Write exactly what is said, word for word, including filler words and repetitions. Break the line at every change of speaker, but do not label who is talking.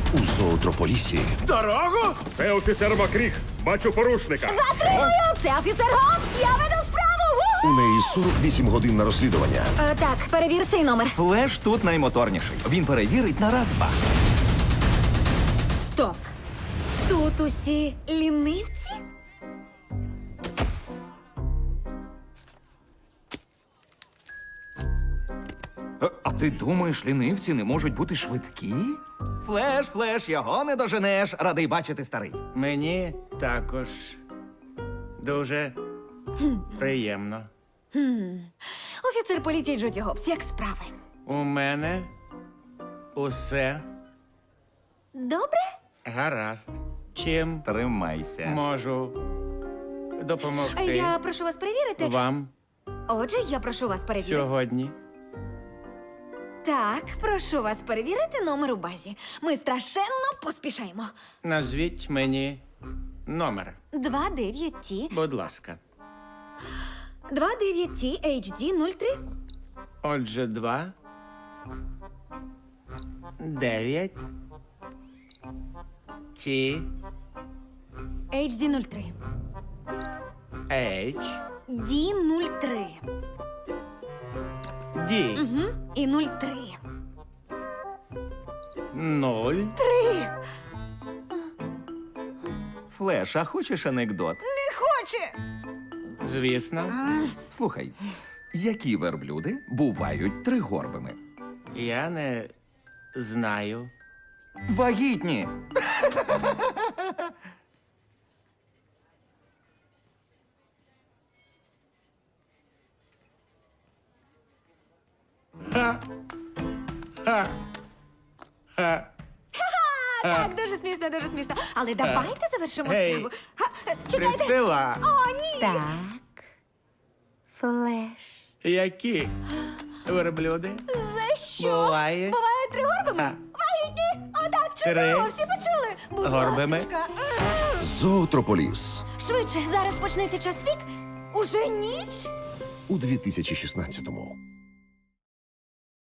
У зоотрополісі
Дорогу?
Це офіцер Макріх. Бачу порушника.
Затримую! Це офіцер Гобс! Я веду справу!
у
Ву!
неї сорок вісім годин на розслідування.
Е, так, перевір цей номер.
Флеш тут наймоторніший. Він перевірить на раз-два.
Стоп! Тут усі лінивці?
Е, А ти думаєш, лінивці не можуть бути швидкі? Флеш, флеш, його не доженеш. Радий бачити, старий.
Мені також дуже приємно.
Офіцер поліції Джуді Гобс, як справи?
У мене усе
Добре?
гаразд. Чим
Тримайся.
можу допомогти
Я прошу вас перевірити.
вам
Отже, я прошу вас перевірити.
сьогодні?
Так, прошу вас перевірити номер у базі. Ми страшенно поспішаємо.
Назвіть мені номер,
два дев'ять Ті,
будь ласка.
два дев'ять Ті Ейч Ді нуль три.
Отже, два, дев'ять, Ті,
Ейч Ді нуль три.
H,
Ді нуль три.
D,
Угу. І нуль три.
нуль.
Три!
Флеш, а хочеш анекдот?
Не хоче!
Звісно,
Слухай, які верблюди бувають тригорбими?
я не знаю.
Вагітні.
Так, дуже смішно, дуже смішно. Але давайте завершимо
Гей.
справу. Га, е, Чекайте.
Присила,
О, ні! Так. Флеш.
які верблюди
За що?
буває
Бувають тригорбими?
А.
Вагітні? Отак, чудово,
Три.
всі почули. Будь
Горбими.
ласочка.
Зоотрополіс
Швидше, зараз почнеться час пік. Уже ніч?
у дві тисячі шістнадцятому.